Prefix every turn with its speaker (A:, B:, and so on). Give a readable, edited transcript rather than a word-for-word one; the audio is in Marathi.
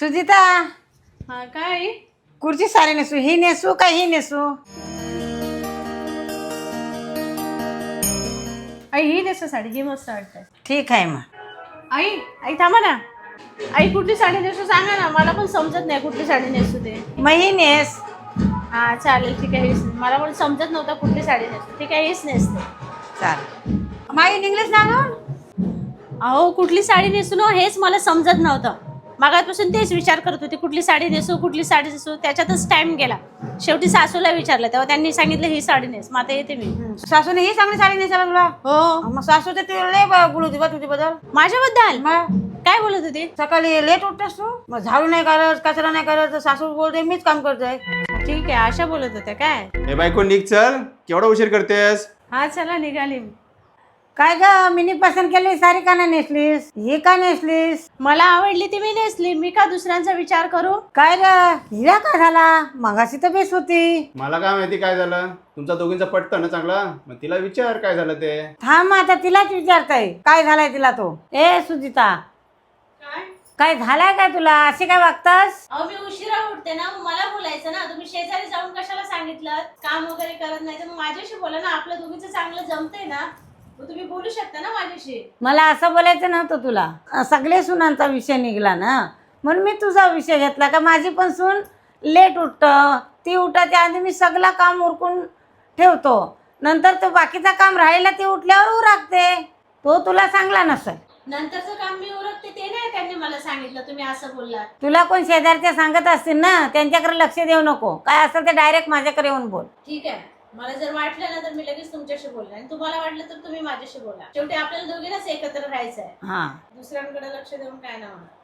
A: सुजिता,
B: हा काय
A: कुठची साडी नेसू? ही नेसू का ही नेसू?
B: आई ही नेसू साडी, ही मस्त वाटते.
A: ठीक आहे मग.
B: आई आई थांबा ना. आई कुठली साडी नेसू सांगा ना, मला पण समजत नाही कुठली साडी नेसू ते.
A: मग ही नेस.
B: हा चालेल ठीक आहे, हीच मला पण समजत नव्हतं कुठली साडी नेसू. ठीक आहे हीच नेसते.
A: चाल. माई इंग्लिश ना गं?
B: अहो कुठली साडी नेसू ना हेच मला समजत नव्हतं. मागापासून तेच विचार करत होते कुठली साडी नेसू कुठली साडी नेसू, त्याच्यातच टाइम गेला. शेवटी सासूला विचारलं तेव्हा त्यांनी सांगितलं ही साडी नेस. मग आता येते मी.
A: सासूने ही चांगली साडी नेसायला तुला?
B: हो.
A: मग सासू तर तुला लय बोलू होती बा तुझ्याबद्दल.
B: माझ्याबद्दल
A: मग
B: काय बोलत होती?
A: सकाळी लेट उठतेस तू, मग झाडू नाही करत, कचरा नाही करत, तर सासू बोलते मीच काम करतोय.
B: ठीक आहे अशा बोलत होत्या काय?
C: हे बायको निघ, चल. केवढा उशीर करतेस?
B: हा चला निघाली.
A: काय ग मिनी पसंत केली साडी का नाही नेसलीस? ही का नेसलीस?
B: मला आवडली ती मी नेसली. मी का दुसऱ्यांचा विचार करू?
A: काय ग हिला काय झाला? मगाशी तर बेस होती.
C: मला काय माहिती काय झालं. तुमचा दोघींचा पटतं ना चांगला, मग तिला विचार काय झालं ते.
A: थांब आता तिलाच विचारताय काय झालाय तिला. तो ए सुजिता, काय झालाय काय तुला? अशी काय वागतास?
B: अहो मी उशिरा उठते ना, मग मला बोलायचं ना. तुम्ही शेजारी जाऊन कशाला सांगितलं? काम वगैरे करत नाही तर मग माझ्याशी बोला ना. आपलं दोघींचं चांगलं जमतंय ना, मग तुम्ही बोलू शकता ना माझ्याशी.
A: मला असं बोलायचं नव्हतं तुला. सगळे सुनांचा विषय निघला ना, म्हणून मी तुझा विषय घेतला का माझी पण सून लेट उठत, ती उठायच्या आधी मी सगळं काम उरकून ठेवतो, नंतर तो बाकीचा काम राहिला ती उठल्यावर उरकते. तो तुला चांगला नसेल.
B: नंतरचं काम मी उरकते ते नाही त्यांनी मला सांगितलं. तुम्ही असं बोललात.
A: तुला कोण शेजारच्या सांगत असतील ना, त्यांच्याकडे लक्ष देऊ नको. काय असेल ते डायरेक्ट माझ्याकडे येऊन बोल.
B: ठीक आहे, मला जर वाटलं ना तर मी लगेच तुमच्याशी बोलणार, आणि तुम्हाला वाटलं तर तुम्ही माझ्याशी बोला. शेवटी आपल्याला दोघींनाच एकत्र राहायचं आहे.
A: हा
B: दुसऱ्यांकडे लक्ष देऊन काय नाही होणार.